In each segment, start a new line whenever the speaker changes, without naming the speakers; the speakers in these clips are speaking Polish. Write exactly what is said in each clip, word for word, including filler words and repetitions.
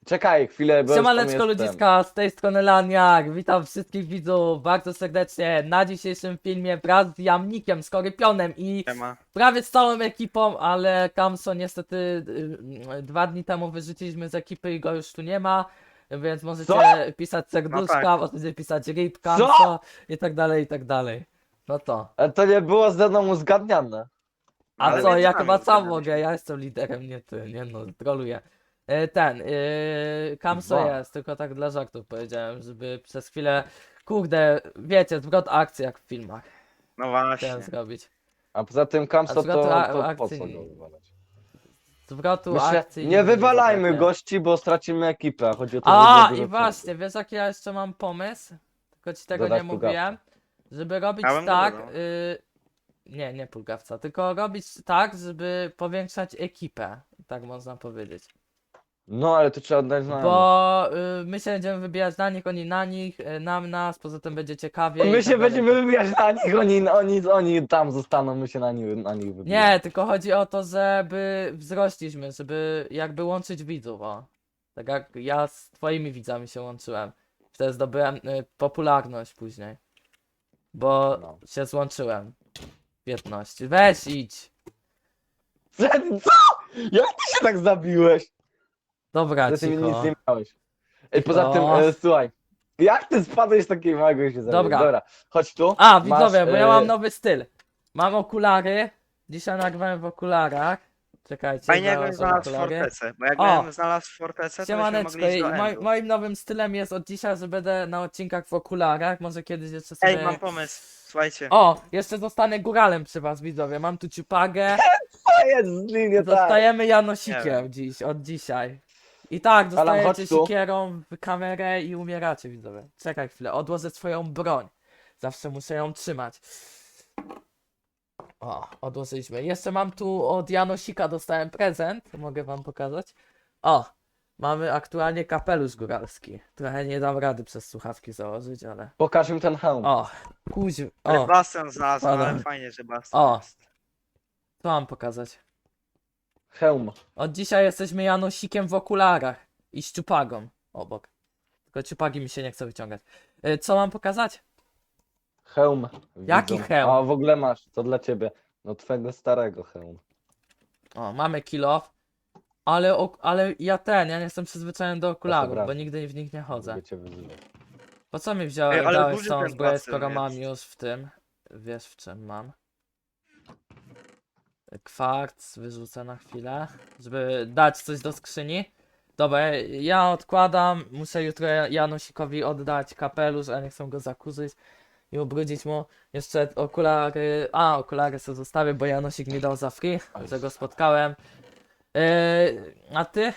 Czekaj chwilę, bo już tam
Siemaneczko
jestem.
ludziska, z tej strony Laniak, witam wszystkich widzów bardzo serdecznie na dzisiejszym filmie wraz z Jamnikiem, Skorypionem i
Siema.
prawie z całą ekipą, ale Kamso niestety y, y, dwa dni temu wyrzuciliśmy z ekipy i go już tu nie ma, więc możecie
Co?
pisać serduszka,
No tak.
możecie pisać rip Kamso i tak dalej, i tak dalej. No to.
Ale to nie było ze mną uzgadniane.
A
Ale
co,
między
ja
nami
chyba sam
zgadaliśmy.
mogę, ja jestem liderem, nie ty, nie no, troluję. E, Ten, yy, Kamso
Dwa.
jest, tylko tak dla żartów powiedziałem, żeby przez chwilę, kurde, wiecie, zwrot akcji jak w filmach
No
chciałem
właśnie.
zrobić.
A poza tym Kamso
A zwrotu
to,
a-
to po
akcji
co
nie-
go wywalać?
Zwrotu
Myślę,
akcji
nie wywalajmy
zabraknie.
gości, bo stracimy ekipę. a Chodzi o to,
A,
żeby
i
dużo
właśnie, wiesz jaki ja jeszcze mam pomysł? Tylko ci tego
Dodać
nie mówiłem, żeby robić
Ja bym nie
tak,
dodał.
y, nie, nie pulgawca, tylko robić tak, żeby powiększać ekipę, tak można powiedzieć.
No ale to trzeba oddać znajomych.
Bo y, my się będziemy wybierać na nich, oni na nich, y, nam nas, poza tym będzie ciekawie. i
My
tak
się
dalej.
będziemy wybijać na nich, oni, oni, oni tam zostaną, my się na nich, na nich wybijemy.
Nie, tylko chodzi o to, żeby wzrośliśmy, żeby jakby łączyć widzów, o. Tak jak ja z twoimi widzami się łączyłem. Wtedy zdobyłem y, popularność później. Bo
No.
się złączyłem. Piętnaście. Weź idź.
Co? Jak ty się tak zabiłeś?
Dobra,
Że ty mi nic
cicho.
nie miałeś. Ej, poza
O.
tym, e, słuchaj. Jak ty spadłeś z takiego małego i się zabiłeś?
Dobra.
Dobra, chodź tu.
A,
Masz,
widzowie, bo ja
e,
mam nowy styl. Mam okulary. Dzisiaj nagrywałem w okularach. Czekajcie,
Fajnie jakbym
założę
znalazł
okulary.
fortecę, bo
O.
jakbym znalazł fortecę, to byśmy
Siemaneczko,
mogli iść
i
do
moj,
Endu.
moim nowym stylem jest od dzisiaj, że będę na odcinkach w okularach, może kiedyś jeszcze sobie...
Ej, mam pomysł, słuchajcie.
O, jeszcze zostanę góralem przy was, widzowie, mam tu ciupagę,
To jest z nim nie tak.
zostajemy
Nie
Janosikiem
wiem.
dziś, od dzisiaj. I tak,
chodź
dostajecie
tu.
sikierą w kamerę i umieracie, widzowie. Czekaj chwilę, odłożę swoją broń, zawsze muszę ją trzymać. O, odłożyliśmy. Jeszcze mam tu od Janosika, dostałem prezent, mogę wam pokazać. O, mamy aktualnie kapelusz góralski. Trochę nie dam rady przez słuchawki założyć, ale...
Pokaż im ten hełm.
O, kuź...
Ale
O,
bastion znalazłem,
Dobra.
ale fajnie, że bastion
O.
jest.
co mam pokazać?
Hełm.
Od dzisiaj jesteśmy Janosikiem w okularach i szczupagą obok. Tylko ciupagi mi się nie chce wyciągać. Y, Co mam pokazać?
Hełm.
Jaki
widzą.
hełm?
A w ogóle masz, to dla ciebie. No twojego starego hełm.
O, mamy kill off. Ale, ok- ale ja ten, ja nie jestem przyzwyczajony do okularów,
brać.
bo nigdy w nich nie chodzę.
Mogę cię wyzywać.
Po co mi wziąłeś,
Ej, ale
dałeś
duży
tą
ten
zbroję,
bastion
skoro mam
jest.
już w tym? Wiesz w czym mam? Kwarc wyrzucę na chwilę, żeby dać coś do skrzyni. Dobra, ja odkładam, muszę jutro Janosikowi oddać kapelusz, a nie chcę go zakurzyć i ubrudzić mu. Jeszcze okulary, a okulary sobie zostawię, bo Janosik mi dał za free, że go spotkałem. Yy, a ty?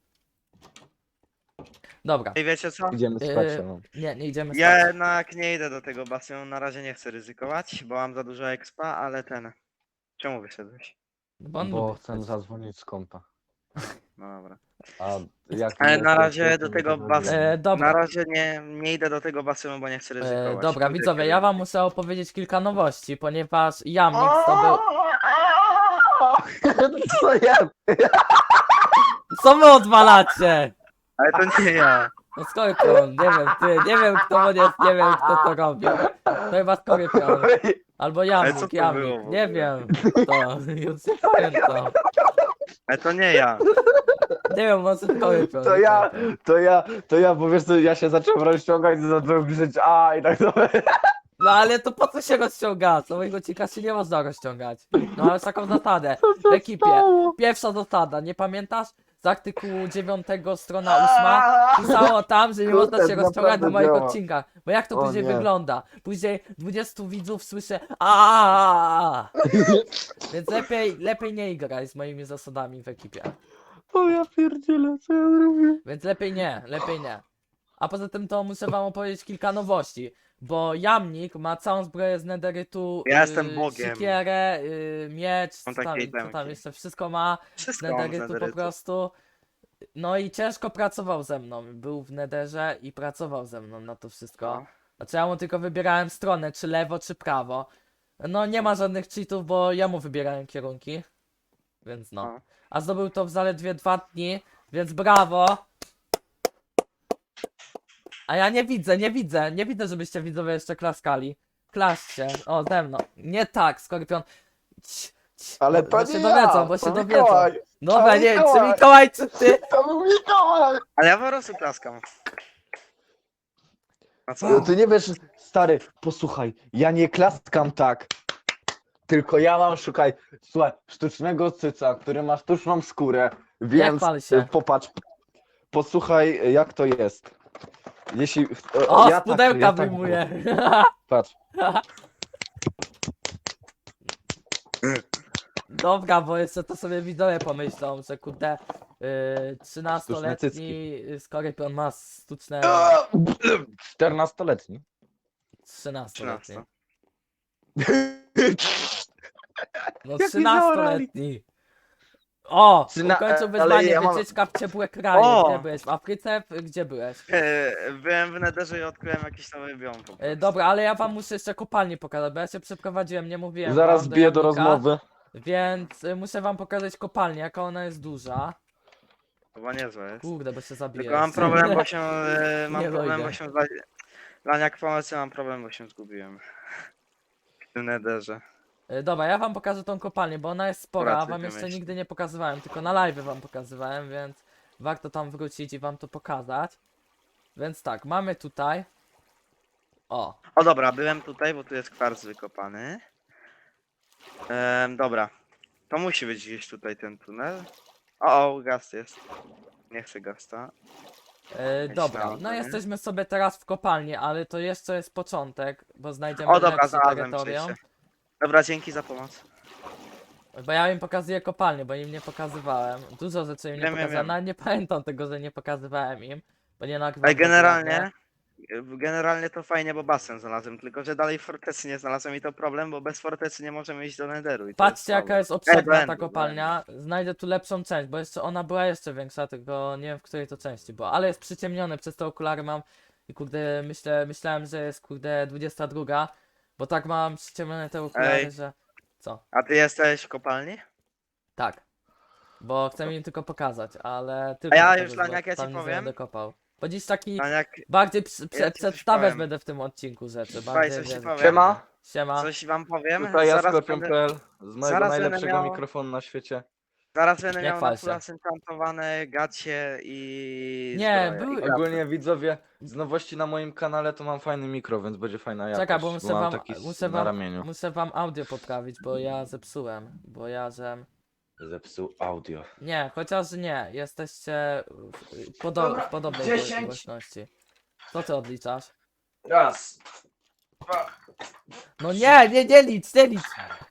Dobra,
Ej, wiecie co?
Idziemy
Yy,
spać. no.
nie, nie idziemy spać.
Ja jednak nie idę do tego bastionu, na razie nie chcę ryzykować, bo mam za dużo expa, ale ten... Czemu wyszedłeś?
Bo on
Bo
lubi
chcę
spać.
zadzwonić z kompa.
No dobra.
A jak
Ale na
jak-
razie
jak-
do
jak-
tego
jak-
bas-
E, dobra.
Na razie nie, nie idę do tego bastonu, bo nie chcę ryzykować.
E, dobra,
Pójdę
widzowie,
kiedy-
ja wam muszę opowiedzieć kilka nowości, ponieważ Jamnik zdobył...
Co ja?
Co wy odwalacie?
Ale to nie ja.
No Skorpion, nie wiem, ty, nie wiem kto to jest, nie wiem kto to robił. To chyba Skorpion. Albo
co
Jamnik,
to było
Jamnik,
w
nie
ogóle?
wiem kto, już nie pamiętam.
Ale to nie ja.
Nie wiem, może Skorpion.
To
nie
ja,
pamiętam.
to ja, to ja, bo wiesz co, ja się zacząłem rozciągać i zacząłem krzyczeć a i tak dalej.
No ale to po co się rozciąga? Całego cika się nie można rozciągać. No ale z taką zasadę, w ekipie. Pierwsza zasada, nie pamiętasz? Z artykułu dziewiątego strona ósma pisało tam, że nie
Kurde,
można się rozciągać
naprawdę
na moich
działa.
odcinkach. Bo jak to
O
później
nie.
wygląda? Później dwudziestu widzów słyszę a. Więc lepiej, lepiej nie graj z moimi zasadami w ekipie.
O ja pierdzielę, co ja zrobię?
Więc lepiej nie, lepiej nie. A poza tym to muszę wam opowiedzieć kilka nowości. Bo Jamnik ma całą zbroję z nederytu,
Ja jestem Bogiem.
sikierę, y, miecz, co
Mam
tam,
takie
co tam
itemki.
jeszcze, wszystko ma.
Wszystko mam z
Nederytu po
nederytu.
prostu. No i ciężko pracował ze mną. Był w nederze i pracował ze mną na to wszystko.
No.
Znaczy ja mu tylko wybierałem stronę, czy lewo, czy prawo. No nie ma żadnych cheatów, bo ja mu wybierałem kierunki. Więc no.
No.
A zdobył to w zaledwie dwa dni, więc brawo. A ja nie widzę, nie widzę, nie widzę, żebyście widzowie jeszcze klaskali. Klaszcie, o ze mną. Nie tak, Skorpion. Ć, ć,
Ale
bo,
to
bo
nie
się
ja,
dowiedzą, bo
to
się dowiedzą.
Mikołaj.
Dobra,
to
nie wiem, czy
Mikołaj.
Mikołaj, czy ty?
To był Mikołaj!
Ale ja po prostu klaskam. A
No,
co?
ty nie wiesz, stary, posłuchaj, ja nie klaskam tak. Tylko ja mam, szukaj, słuchaj, sztucznego cyca, który ma sztuczną skórę, więc
chwal się.
y, popatrz, posłuchaj, y, jak to jest. Jeśli.
O,
ja
z pudełka
ja tak
wyjmuję.
Patrz.
Dobra, bo jeszcze to sobie widzowie pomyślą, że kurde yy, trzynastoletni Skorpion ma sztuczne...
czternastoletni.
trzynastoletni.
trzynaście.
No
Jak mi
trzynastoletni. O!
Trzyna-
Ukończył
ale
wyzwanie,
ja mam-
wycieczka w ciepłe kraje.
O!
Gdzie byłeś? W Afryce? Gdzie byłeś?
E, Byłem w Netherze i odkryłem jakiś nowy biom po
E,
prostu.
dobra, ale ja wam muszę jeszcze kopalnię pokazać, bo ja się przeprowadziłem, nie mówiłem
Zaraz
wam
biję do
Janika,
rozmowy.
Więc y, muszę wam pokazać kopalnię, jaka ona jest duża.
Chyba niezłe jest.
Kurde, bo się zabiję.
Tylko mam problem, bo się... e, Mam
Nie
problem,
dojdę.
bo się... Dla, dla jak pomocy mam problem, bo się zgubiłem. W tym Netherze.
Y, Dobra, ja wam pokażę tą kopalnię, bo ona jest spora, a
Wracaj
wam
do
jeszcze
myśli.
nigdy nie pokazywałem, tylko na live wam pokazywałem, więc warto tam wrócić i wam to pokazać. Więc tak, mamy tutaj... O,
O dobra, byłem tutaj, bo tu jest kwarc wykopany. Ehm, dobra. To musi być gdzieś tutaj ten tunel. O, o, gaz jest. Nie chcę gasta.
y, dobra,
Myślałem,
no
nie?
jesteśmy sobie teraz w kopalni, ale to jeszcze jest początek, bo znajdziemy
O dobra,
lepsze
znalazłem
terytorium.
przejście. Dobra, dzięki za pomoc.
Bo ja im pokazuję kopalnię, bo im nie pokazywałem. Dużo rzeczy im nie
Wiem, wiem,
pokazałem,
wiem.
nawet nie pamiętam tego, że nie pokazywałem im, bo nie nagrywam.
Ale
tego
generalnie,
nagle.
generalnie to fajnie, bo basen znalazłem, tylko że dalej fortecy nie znalazłem i to problem, bo bez fortecy nie możemy iść do Netheru. I to
Patrzcie
jest
jaka jest
Ej,
obszerna
do
ta
Endu, do
kopalnia. Znajdę tu lepszą część, bo jeszcze ona była jeszcze większa, tylko nie wiem w której to części była. Ale jest przyciemnione, przez te okulary mam i kurde myślę, myślałem, że jest kurde dwudziesta druga, bo tak mam przyciemnione te okulary,
Ej.
że... Co?
A ty jesteś w kopalni?
Tak. Bo chcę im tylko pokazać, ale tylko
ja
pokazać,
już,
bo
Laniak, ja ci
tam nic nie
powiem.
będę kopał. Bo dziś taki
A jak
bardziej prze, prze,
Ja ci coś
przedstawiać
powiem.
będę w tym odcinku rzeczy.
Słuchaj,
Bardziej
coś ci
wiesz,
powiem.
Siema.
Siema.
coś wam powiem,
Tutaj ja
zaraz
Skorpion
będę,
kropka p l z mojego
zaraz będę
najlepszego
miał-
mikrofonu na świecie.
zaraz będę
Nie
miał
chwal
na
się.
fulla enchantowane gacie i
Nie,
zbroję.
były-
I
Ogólnie widzowie, z nowości na moim kanale to mam fajny mikro, więc będzie fajna jakość.
Czekaj, bo muszę
mam
wam,
taki s-
muszę
na
wam,
ramieniu.
muszę wam audio poprawić, bo ja zepsułem. Bo ja, że...
Zepsuł audio.
Nie, chociaż nie, jesteście w, podo
Dobra,
w podobnej
dziesięć.
głośności. Co ty odliczasz?
Raz, dwa,
No nie, nie, nie licz, nie licz,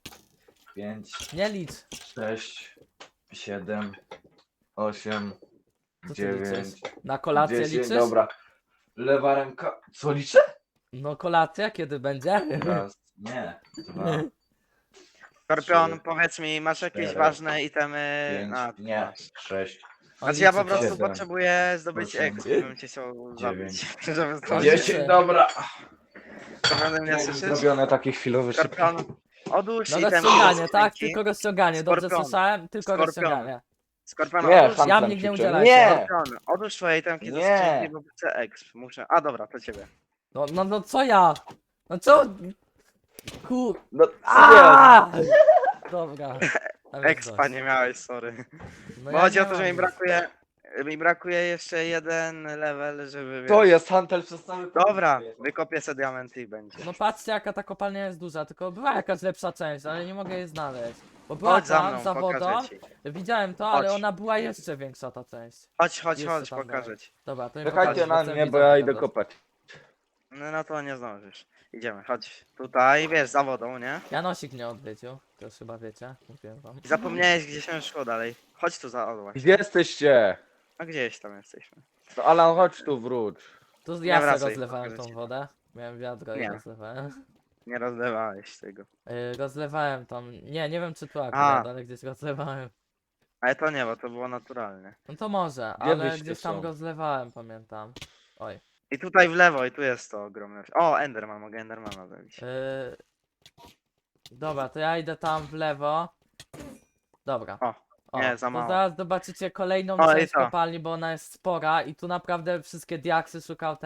pięć,
nie licz.
sześć, siedem, osiem,
Co ty
dziewięć,
liczysz? Na kolację
dziesięć,
liczysz?
dobra. Lewa ręka. Co liczę?
No kolacja kiedy będzie?
Raz, nie, dwa,
Skorpion,
trzy,
powiedz mi, masz jakieś
cztery,
ważne itemy?
pięć,
A,
nie,
masz.
sześć,
On
Znaczy ja po
liczy to.
prostu
Siedem,
potrzebuję zdobyć
osiem,
exp, bym cię chciał
dziewięć,
zabić. Żeby
On
zdążyć.
liczy.
dziesięć, dobra.
Skorpion, mnie słyszysz?
Zrobione taki chwilowy szybki.
Skorpion, odłóż
No
itemy ze
rozciąganie, tak?
skrzynki.
Tylko rozciąganie, dobrze
Skorpion.
słyszałem? Tylko
Skorpion.
rozciąganie.
Skorpion,
Nie,
odłóż,
sam
Ja
tam
mnie nie
ćwiczę.
udzielajcie.
Nie!
Skorpion, odłóż twoje itemki do
Nie.
skrzynki, bo chcę exp. Muszę. A dobra, to ciebie.
No, no, no co ja? No co? Kur...
No, nie.
Aaaa! Dobra. tam jest
Expa
dość.
nie miałeś, sorry.
No
Bo
ja
chodzi
nie
o to, że
mam
mi
nic.
brakuje. Mi brakuje jeszcze jeden level, żeby.
To
wiesz-
jest Hantel przez cały
Dobra,
koniec.
wykopię sobie diamenty i będzie.
No patrzcie jaka ta kopalnia jest duża, tylko była jakaś lepsza część, ale nie mogę jej znaleźć. Bo była
Chodź za
tam,
mną,
za wodą,
pokażę ci.
widziałem to, ale
Chodź.
ona była jeszcze większa ta część.
Chodź, chodź,
Jeszcze
chodź,
tam
pokażę
dalej.
ci.
Dobra, to mi
Czekajcie
pokażesz,
na
chcę
mnie, bo
widzom
ja idę
pokazać.
kopać.
No, no to nie zdążysz. Idziemy, chodź. Tutaj, wiesz, za wodą, nie?
Janosik mnie odwiedził, to już chyba wiecie, mówiłem wam.
I zapomniałeś, gdzie się szło dalej. Chodź tu za odłaś.
Gdzie jesteście?
No gdzieś tam jesteśmy.
To Alan, chodź tu, wróć.
Tu
Nie
ja sobie
wracaj,
rozlewałem
pokażę
tą
ci.
wodę. Miałem wiadro i
Nie.
rozlewałem.
Nie rozlewałeś tego.
Yy, rozlewałem tam, nie, nie wiem czy tu akurat,
A.
ale gdzieś rozlewałem.
Ale to nie, bo to było naturalne.
No to może,
Gdzie
ale
wyście
gdzieś tam
są?
rozlewałem, pamiętam. Oj.
I tutaj w lewo, i tu jest to ogromne. O, Enderman, mogę Endermana zabić.
Yy... Dobra, to ja idę tam w lewo. Dobra.
O, nie, za
to
mało.
zaraz zobaczycie kolejną
O, i
część
to.
kopalni, bo ona jest spora i tu naprawdę wszystkie diaksy szukał ten.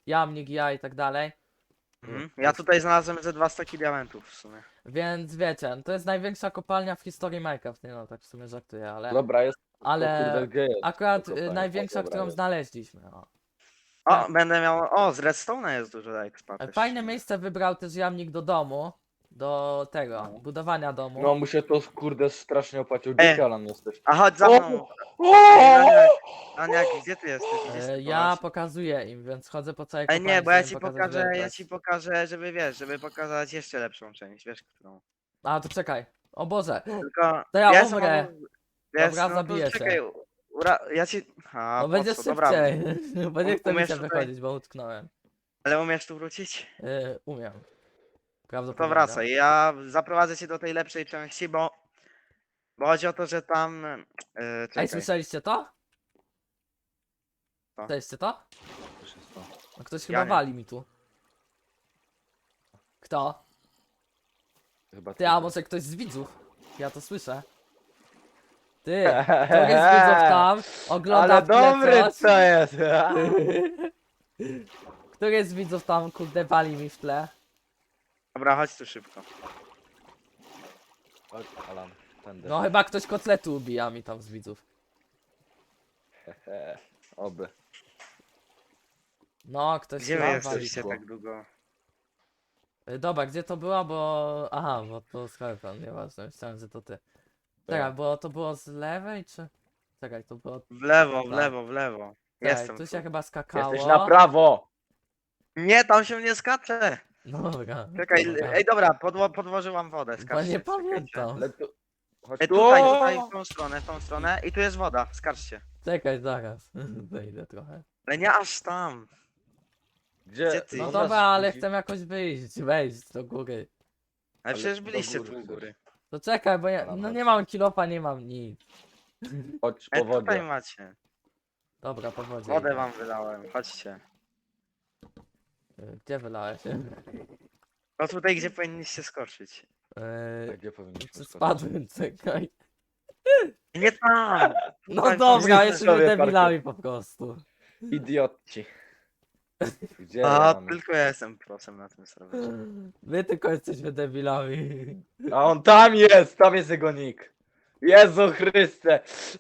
jamnik, ja i tak dalej.
Mhm. Ja tutaj znalazłem ze dwa staki diamentów w sumie.
Więc wiecie, to jest największa kopalnia w historii Minecraft. Nie no, tak w sumie żartuję, ale...
Dobra, jest.
Ale
O kurde, gdzie jest?
akurat
to
y,
kopalnia?
największa,
O, dobra,
którą
jest.
znaleźliśmy. O.
O, będę miał. O, z redstone'a jest dużo expa
E,
też.
Fajne miejsce wybrał też jamnik do domu. Do tego,
No.
budowania domu.
No mu się to kurde strasznie opłacił.
Ej.
Gdzie Alan jesteś?
A chodź za
O!
mną.
O!
Aniak, Aniak, gdzie ty jesteś? Gdzie
E,
ty
ja
chowasz?
pokazuję im, więc chodzę po całej
Ej,
kopalni.
nie, bo ja
żeby
ci
pokazać
pokażę, ja
wielkość.
ci pokażę, żeby wiesz, żeby pokazać jeszcze lepszą część, wiesz którą.
A, to czekaj. O Boże.
Tylko.
To ja
jestem
umrę.
obok- Wiesz,
Dobra,
no to
zabiję cię.
czekaj, ura... ja ci. A,
No
po
będzie
co? Dobra,
szybciej. Bo nie
Um-
chce mi
umiesz
się
tutaj-
wychodzić, bo utknąłem.
ale umiesz tu wrócić?
E, umiem.
No
Prawdopodobnie.
to wracaj, ja zaprowadzę cię do tej lepszej części, bo. Bo chodzi o to, że tam. Yy,
Ej,
czekaj.
słyszeliście to?
Co?
Słyszeliście to?
Co się stało?
No ktoś
Ja
chyba
nie.
wali mi tu. Kto?
Chyba
Ty, a może ktoś z widzów? Ja to słyszę. Ty, któryś z widzów tam ogląda
Ale
w tle
dobry
coś?
to jest!
Któryś z widzów tam kurde wali mi w tle?
Dobra, chodź tu szybko.
Chodź, Alan, tędy.
No chyba ktoś kotletu ubija mi tam z widzów.
Hehe, Oby.
No, ktoś
Gdzie wy
tam
jesteście
szybko.
tak długo?
wali. Y, Dobra, gdzie to było, bo... Aha, bo to Skype'em, nieważne, myślałem, że to ty. Czekaj, bo to było z lewej, czy... Czekaj, to było...
W lewo, w
Tak.
lewo, w lewo.
Czekaj,
Jestem.
tu
Tu.
się chyba skakało.
Jesteś na prawo!
Nie, tam się nie skacze!
Dobra.
Czekaj,
dobra.
ej dobra, podło, podłożyłam wodę,
Bo
skarżcie.
nie
czekajcie.
pamiętam.
Ale tu... Chodź
Ej,
tu.
tutaj, tutaj, w tą stronę, w tą stronę i tu jest woda, skarżcie.
Czekaj, zaraz. Wejdę trochę.
Ale nie aż tam.
Gdzie?
Gdzie ty?
No
No
dobra, ale chcę jakoś wyjść, wejść do góry.
Ale
Ale
przecież
do
byliście
góry
tu u
chcesz.
góry.
To czekaj, bo ja
Dobra,
no
chodź.
nie mam kilofa, nie mam nic.
Chodź
Ej,
po
tutaj
wodzie.
macie.
Dobra, po wodzie.
Wodę
idę.
wam wylałem, chodźcie.
Y, Gdzie wylałeś?
No tutaj, gdzie powinniście skoczyć.
A
Yy,
Gdzie powinniśmy skoczyć?
spadłem, czekaj.
Nie tam!
No
Tutaj
dobra,
są
jesteśmy
sobie
debilami po prostu.
Idioci. Gdzie ja
A,
mam?
tylko ja jestem prosem na tym serwerze.
My tylko jesteśmy debilami.
A on tam jest! Tam jest jego nick. Jezu Chryste!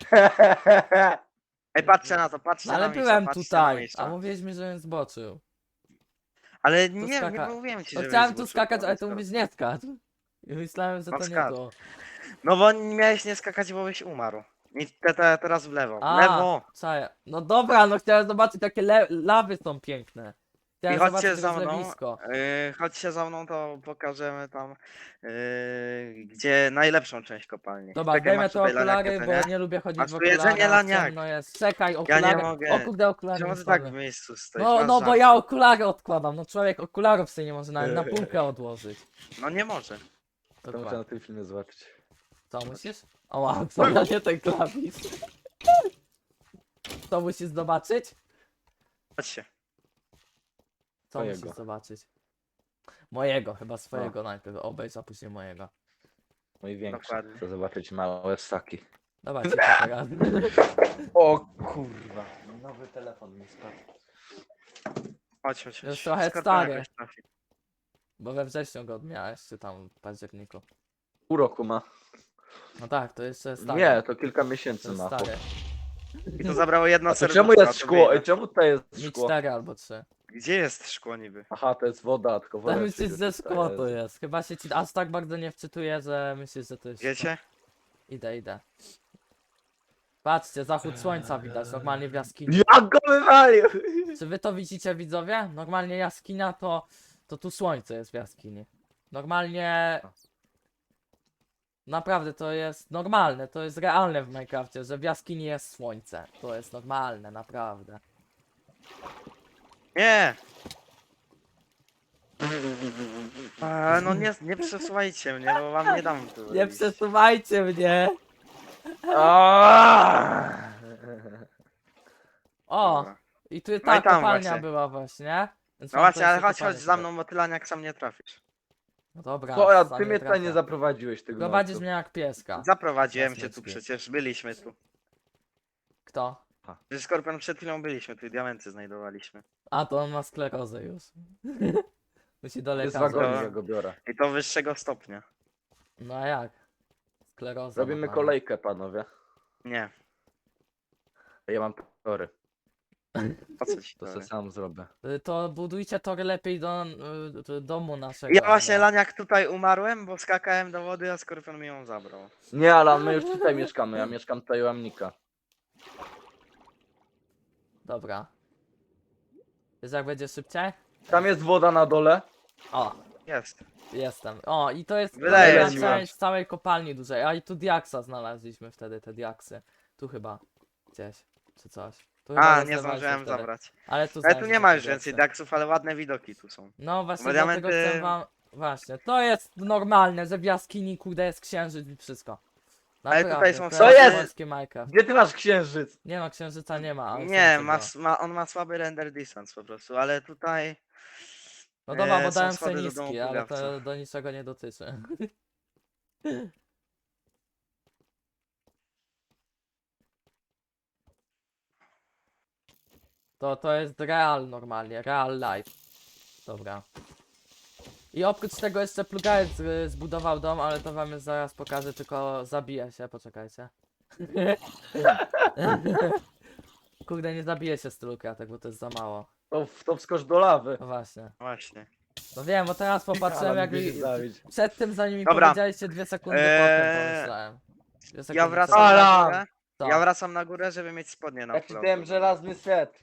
Ej, patrzcie na to, patrzcie
No ale
na miejsca,
byłem
patrzcie na
tutaj,
miejsca.
a mówiliśmy, żebym zboczył.
Ale nie, nie
skaka-
mówiłem ci,
No
że
chciałem tu skakać, ale tu mówisz nie skacz. I myślałem, że
No
to nie
skacz.
to.
No bo nie miałeś nie skakać, bo byś umarł. I te, te, teraz w lewo. W
A,
lewo!
czaję. No dobra, no chciałem zobaczyć, jakie le- lawy są piękne. Chciałem
I chodźcie
zobaczyć
za mną.
rozlewisko.
Yy, chodźcie za mną, to pokażemy tam, yy, gdzie najlepszą część kopalni.
Dobra,
Czekaj,
zdejmę
masz
te
tutaj
okulary,
laniakę,
bo
co
nie lubię chodzić
Masz
w
tu
okularach.
jedzenie, laniak.
ciemno jest. Czekaj,
Ja
okulary.
nie mogę.
O kurde, okulary
Czemu
mi
ty tak w
spadły.
miejscu stoisz?
No,
Masz
no bo
żart.
ja okulary odkładam. No człowiek okularów sobie nie może nawet na półkę odłożyć.
No nie może.
To muszę
Dokładnie.
na tym filmie zobaczyć.
Co musisz? O, wow, co ja nie ten klawisz. Co musisz zobaczyć?
Chodźcie.
Co
Twojego.
musisz zobaczyć? Mojego, chyba swojego najpierw. Obejrz, a później mojego.
Mój większy.
Dokładnie.
Chcę zobaczyć małe ssaki.
Dobra, cicho teraz.
O kurwa. Nowy telefon mi spadł.
Chodź, chodź, chodź.
Jest trochę
Skorpion
stary.
jakoś trafi.
Bo we wrześniu go odmiałeś, czy tam w październiku.
Pół roku ma.
No tak, to jeszcze stary.
Nie, to kilka
to
miesięcy
jest
ma.
stary.
I to zabrało jedno
A to
serduszko.
czemu jest
to
szkło?
wyjdę.
Ej, czemu tutaj jest
Mi
szkło?
cztery albo trzy.
Gdzie jest szkło niby?
Aha, to jest woda, tylko woda.
To myślisz,
przyjdzie
że
tutaj,
szkło to
Jezu.
jest. Chyba się ci aż tak bardzo nie wczytuję, że myślisz, że to jest szkło.
Wiecie?
Idę, idę. Patrzcie, zachód słońca widać normalnie w jaskini.
Jak go wywalił!
Czy wy to widzicie, widzowie? Normalnie jaskinia to... To tu słońce jest w jaskini. Normalnie... Naprawdę to jest normalne, to jest realne w Minecrafcie, że w jaskini jest słońce. To jest normalne, naprawdę.
Nie! A, no nie, nie przesuwajcie mnie, bo wam nie dam tu
Nie
iść.
przesuwajcie mnie!
Aaaa!
O!
Dobra.
I tu
No
ta
i tam
kopalnia
właśnie.
była właśnie. Więc
No
mam
właśnie,
tu
ale
jeszcze
chodź,
kopalnię
chodź za
tutaj.
mną, bo ty laniak sam nie trafisz.
No dobra,
Co, ja,
sam
ty
nie
mnie tutaj nie
trafię.
zaprowadziłeś, ty
Prowadzisz
gnojcu.
mnie jak pieska.
Zaprowadziłem cię tu
Jasne,
przecież, byliśmy tu.
Kto?
Że Skorpion przed chwilą byliśmy, tu diamenty znajdowaliśmy.
A to on ma sklerozę już. Musi do
Jest
lekarza.
wagonik,
Dobra.
ja go biorę.
I to wyższego stopnia.
No a jak? Skleroza.
Robimy
ma pana.
kolejkę, panowie.
Nie,
Ja mam tory,
po co ci
to
to?
se sam zrobię.
Y, To budujcie tory lepiej do y, do domu naszego.
Ja właśnie,
ale-
Laniak, tutaj umarłem, bo skakałem do wody, a Skorpion mi ją zabrał.
Nie, Alan, my już tutaj mieszkamy, ja mieszkam tutaj u Amnika.
Dobra. Wiesz jak będzie szybciej?
Tam jest woda na dole.
O,
Jest.
jestem. O, i to jest
Wydaje
kolejna
mi się.
część całej kopalni dużej. A i tu diaksa znaleźliśmy wtedy, te diaksy. Tu chyba. Gdzieś. Czy coś. Tu chyba
A, nie
rozlewaliśmy
zdążyłem
wtedy.
zabrać.
Ale tu,
Ale tu nie
znaleźliśmy
ma
te
już więcej
diaksy.
daksów, ale ładne widoki tu są.
No właśnie,
Bo
dlatego
diamenty-
chcę wam... Właśnie, to jest normalne, że w jaskini kurde jest księżyc i wszystko.
Ale tutaj
Naprawdę,
są
to
Co jest?
polskie Minecraft.
Gdzie ty masz księżyc?
Nie no, księżyca nie ma. ale
Nie,
są
ma,
tego.
s- ma, on ma słaby render distance po prostu, ale tutaj...
No dobra,
e,
bo
są
dałem
schody
sobie
do domu
niski, ale to
plugawca.
do niczego nie dotyczy. To, to jest real normalnie, real life. Dobra. I oprócz tego jeszcze plugajec y, zbudował dom, ale to wam już zaraz pokażę, tylko zabija się, poczekajcie. Kurde, nie zabije się z tylu kratek, bo to jest za mało.
To, w- to wskocz do lawy.
No właśnie.
Właśnie.
No wiem, bo teraz popatrzyłem
Alan,
jak
lubię
mi...
się zabić.
Przed tym zanim mi
Dobra.
powiedzieliście dwie sekundy
Eee,
potem pomyślałem. Dwie
Ja
sekundy
wracam
przed-
na
Alan!
górę.
Co?
Ja wracam na górę, żeby mieć spodnie na
Ja ci
flotu.
dałem żelazny set.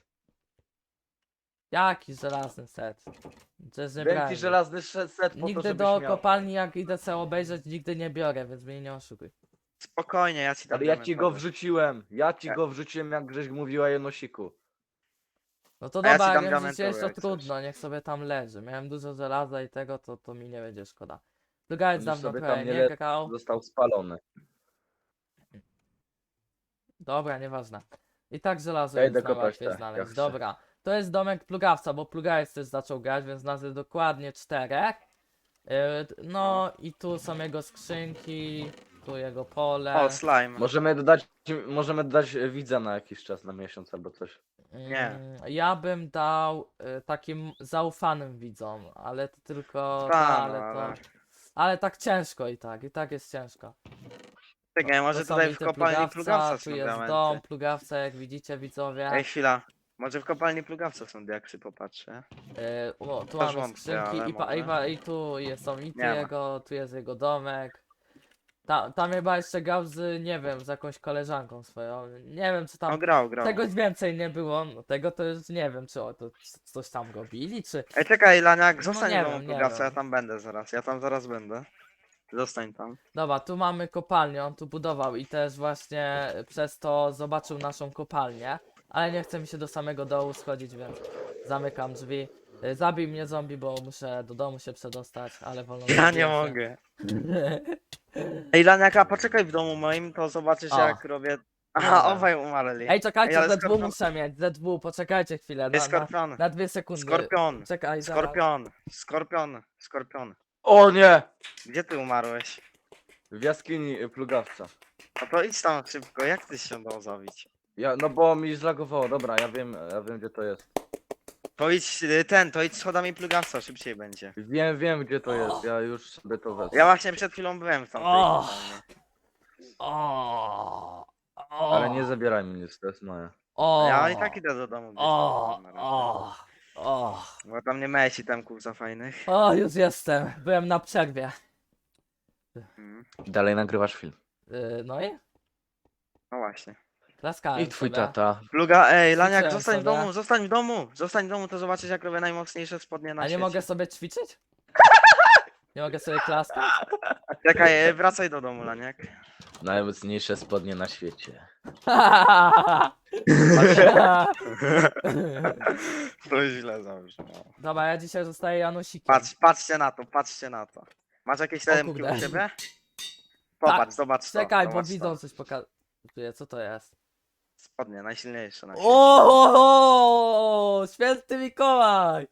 Jaki żelazny set? To jest
Dałem ci
niebranie.
żelazny sze- set po to,
Nigdy
żebyś
do
miał.
kopalni jak idę sobie obejrzeć, nigdy nie biorę, więc mnie nie oszukuj.
Spokojnie, ja ci tam
Ale ja ci go
diamentowy.
wrzuciłem. Ja ci
Ja-
go wrzuciłem, jak Grześ mówiła Janosiku.
No to
A ja ci
dobra,
dam
jak wiem, że
diamentowy,
jest to
jak coś.
trudno, niech sobie tam leży. Miałem dużo żelaza i tego, to, to mi nie będzie szkoda. Plugajec
On już
dawno
sobie tam
prawie
nie
nie
le-
grał.
Został spalony.
Dobra, nieważne. I tak żelazo
Ja
jest
idę
na
kopać
łatwiej
te
znaleźć.
jaksy.
Dobra. To jest domek plugawca, bo plugawec też zaczął grać, więc nas jest dokładnie czterech. Yy, No i tu są jego skrzynki, tu jego pole.
O, slime.
Możemy dodać, możemy dodać widza na jakiś czas, na miesiąc albo coś.
Nie.
Mm, Ja bym dał y, takim zaufanym widzom, ale to tylko.
Ta,
ta,
no,
ale, to,
ale-
ale tak ciężko i tak, i tak jest ciężko.
Czekaj, może
To są
tutaj w
widzę
kopalni
plugawca,
plugawca
tu
są
jest
diamenty.
dom, plugawca, jak widzicie widzowie.
Ej, chwila. Może w kopalni plugawca są diaksy, popatrzę.
Y, o, tu
też
mamy
wątpię,
skrzynki
ale
i, pa, i,
może.
pa, i tu jest, są i tu
Nie ma.
jego, tu jest jego domek. Ta, tam chyba jeszcze grał z, nie wiem, z jakąś koleżanką swoją. Nie wiem czy tam.
No grał, grał.
Czegoś więcej nie było, no, tego to już nie wiem, czy o, to c- coś tam robili, czy...
Ej, czekaj, Laniak,
No
zostań
nie
w domu
wiem, nie
plugawca,
wiem.
ja tam będę zaraz. Ja tam zaraz będę. Zostań tam.
Dobra, tu mamy kopalnię, on tu budował i też właśnie przez to zobaczył naszą kopalnię, ale nie chce mi się do samego dołu schodzić, więc zamykam drzwi. Y, Zabij mnie zombie, bo muszę do domu się przedostać, ale wolno
Ja
zabiję
nie
się.
mogę. Ej, Laniaka, poczekaj w domu moim, to zobaczysz
O.
jak robię... Aha,
Dobra.
obaj umarli.
Ej, czekajcie,
Ej, ale
Z dwa
skorpion-
muszę mieć, Z dwa, poczekajcie chwilę,
Ej,
na, na,
skorpion.
na dwie sekundy.
Skorpion.
Czekaj, zaraz.
Skorpion. Skorpion. Skorpion.
O nie!
Gdzie ty umarłeś?
W jaskini y, plugawca.
No to idź tam szybko, jak ty się dał zabić?
Ja, no bo mi zlagowało, dobra, ja wiem, ja wiem gdzie to jest.
To idź y, ten, to idź schodami plugawca, szybciej będzie.
Wiem, wiem gdzie to jest, ja już sobie to wezmę.
Ja właśnie przed chwilą byłem w tamtej
O.
kopalni.
O, o,
Ale nie zabieraj mi nic, to jest moje.
o,
Ja i tak idę do domu gdzieś
O,
tam na razie.
o, o,
Bo tam nie miałeś itemków za fajnych.
o, już jestem. Byłem na przerwie.
Mhm.
Dalej nagrywasz film.
Yy, no i
No właśnie.
klaskałem
I twój
sobie.
tata.
Pluga, ej, Laniak,
Ćwiczyłem
zostań w
sobie.
domu, zostań w domu! Zostań w domu, to zobaczysz jak robię najmocniejsze spodnie na
A nie
świecie.
mogę sobie ćwiczyć? Nie mogę sobie klaskać?
Czekaj, e, wracaj do domu, Laniak.
Najmocniejsze spodnie na świecie.
To źle zabrzmiało.
Dobra, ja dzisiaj zostaję Janusikiem.
Patrz, patrzcie na to, patrzcie na to. Masz jakieś lemki
kurde.
u siebie? Popatrz, zobacz to.
Czekaj, bo
zobacz
widzą
to.
coś pokazuje. Co to jest?
Spodnie, najsilniejsze na świecie.
O, święty Mikołaj!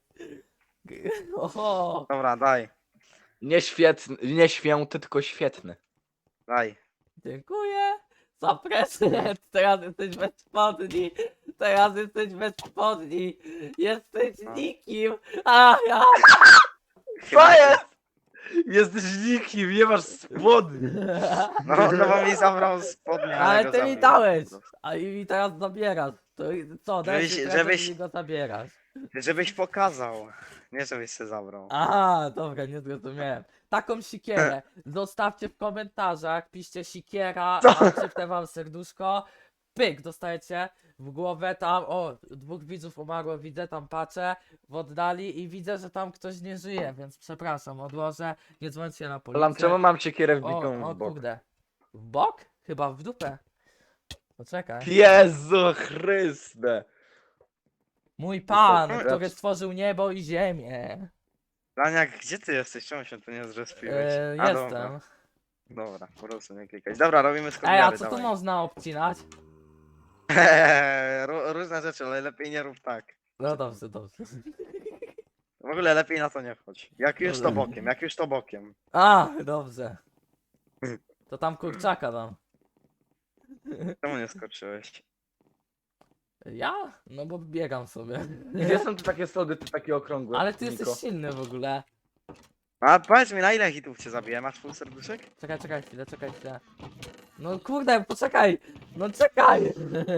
O,
Dobra, daj,
Nie świetny, nie święty, tylko świetny.
daj.
dziękuję. Zapraszam, teraz jesteś bez spodni. Teraz jesteś bez spodni. Jesteś
No.
nikim. A ja.
Chyba
Co
ty.
jest? Jesteś nikim, nie masz spodni.
No, no bo mi zabrał spodnie, ale,
Ale
go
ty mi
zabiję.
dałeś. A i mi teraz zabierasz. To i- co, dajesz
Żebyś-
mi prezent
żebyś-
i mi go zabierasz.
Żebyś pokazał. Nie żebyś się zabrał.
Aha, dobra, nie zrozumiałem. Taką sikierę zostawcie w komentarzach, piszcie sikiera, mam szybkę wam serduszko. Pyk, dostajecie w głowę tam, o, dwóch widzów umarło, widzę, tam patrzę w oddali i widzę, że tam ktoś nie żyje, więc przepraszam, odłożę, nie dzwońcie na policję.
Lam, czemu mam siekierę
O,
wbitą
o
w bok?
kurde. W bok? Chyba w dupę. Poczekaj.
Jezu Chryste.
Mój pan,
to-
który stworzył niebo i ziemię.
Laniak, gdzie ty jesteś? Czemu się tu nie zrespiłeś?
E,
A,
jestem.
Dobra, dobra, po prostu nie klikać. Dobra, robimy
Ej, a
skopiary,
co tu
dawaj.
można obcinać?
Ró- Różne rzeczy, ale lepiej nie rób tak.
No dobrze, dobrze.
W ogóle lepiej na to nie wchodź. Jak już to
Dobra.
bokiem, jak już to bokiem.
A, dobrze. To tam kurczaka dam.
Czemu nie skoczyłeś?
Ja? No bo biegam sobie.
Gdzie są tu takie sody, tu takie okrągłe?
Ale ty
Niko?
jesteś silny w ogóle.
A powiedz mi, na ile hitów cię zabiję? Masz full serduszek?
Czekaj, czekaj chwilę, czekaj chwilę. No kurde, poczekaj! No czekaj!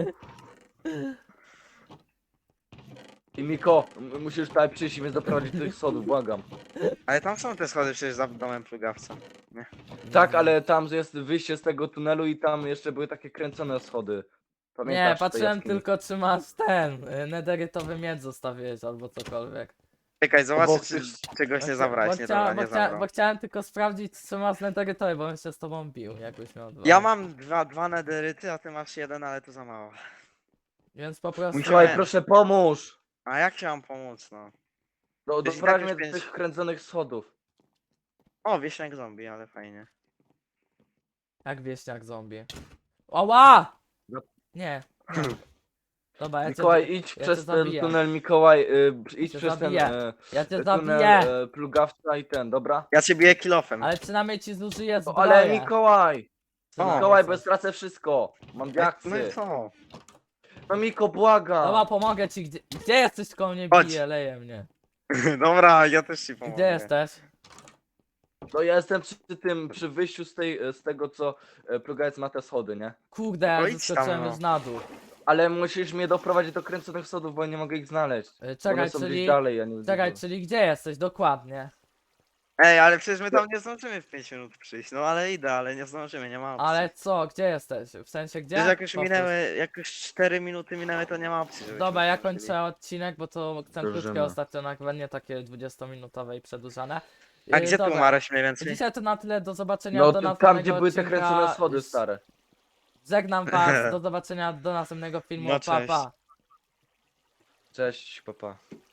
I Miko, m- musisz tutaj przyjść i mnie doprowadzić do tych sodów, błagam.
Ale tam są te schody przecież za domem plugawca.
Tak, ale tam jest wyjście z tego tunelu i tam jeszcze były takie kręcone schody. Pamiętasz
Nie,
te
patrzyłem
jaskini?
tylko czy masz ten, y, nederytowy miecz zostawiłeś albo cokolwiek.
Czekaj, zobaczę
Bo
czy
chcesz-
czegoś nie
Bo
zabrałeś.
chcia-
Nie,
bo,
dobra,
chcia- bo,
nie
chcia-
zabrał.
bo chciałem tylko sprawdzić czy masz nederytowy, bo bym się z tobą bił, jakbyś miał dwa.
Ja mam dwa, dwa nederyty, a ty masz jeden, ale to za mało.
Więc po prostu...
Musiałem-
Mikołaj, proszę pomóż!
A jak ci mam pomóc, no?
No,
Jeśli
doprowadź
tak
mnie
już
do
pięć-
tych kręconych schodów.
O, wieśniak zombie, ale fajnie.
Jak wieśniak zombie. Oła!
No.
Nie. nie. Dobra, ja cię,
Mikołaj, idź
ja cię
przez ten
zabiję.
tunel, Mikołaj, y, idź
Cię
przez
zabiję.
ten y,
ja cię
tunel
zabiję!
y, plugawca i ten, dobra?
Ja cię biję kilofem.
Ale przynajmniej ci zużyję
No,
zbroję.
ale Mikołaj!
Co
Mikołaj,
ty
bo
chcesz?
stracę wszystko! Mam
No i
diaksy!
co?
No Miko, błagam!
Dobra, pomogę ci. Gdzie, gdzie jesteś, koło mnie
Chodź.
bije, leje mnie.
Dobra, ja też ci pomogę.
Gdzie jesteś?
No ja jestem przy tym, przy wyjściu z, tej, z tego, co e, plugawec ma te schody, nie?
Kurde,
No
ja
idź
zeskoczyłem
tam, no.
już na dół.
Ale musisz mnie doprowadzić do kręconych schodów, bo nie mogę ich znaleźć.
E,
One
Czekaj,
są
czyli...
gdzieś dalej, ja nie wiem.
Czekaj,
gdzie
czyli gdzie jesteś? Dokładnie.
Ej, ale przecież my tam nie zdążymy w pięć minut przyjść. No ale idę, ale nie zdążymy, nie ma opcji.
Ale co, gdzie jesteś? W sensie gdzie?
Przecież jak już
Powtórz.
minęły, jak już cztery minuty minęły, to nie ma opcji, żebyśmy
Dobra, ja
zdążyli.
kończę odcinek, bo to chcę
Zdążymy.
krótkie ostatnio nagrywanie, takie dwudziestominutowe i przedłużane.
A
E,
gdzie tu
dobra.
umarłeś mniej więcej?
Dzisiaj to na tyle, do zobaczenia
No
do
to
następnego
tam, gdzie były te
odcinka.
kręcone schody stare.
Żegnam was, do zobaczenia do następnego filmu,
No,
pa
cześć.
pa.
Cześć, papa.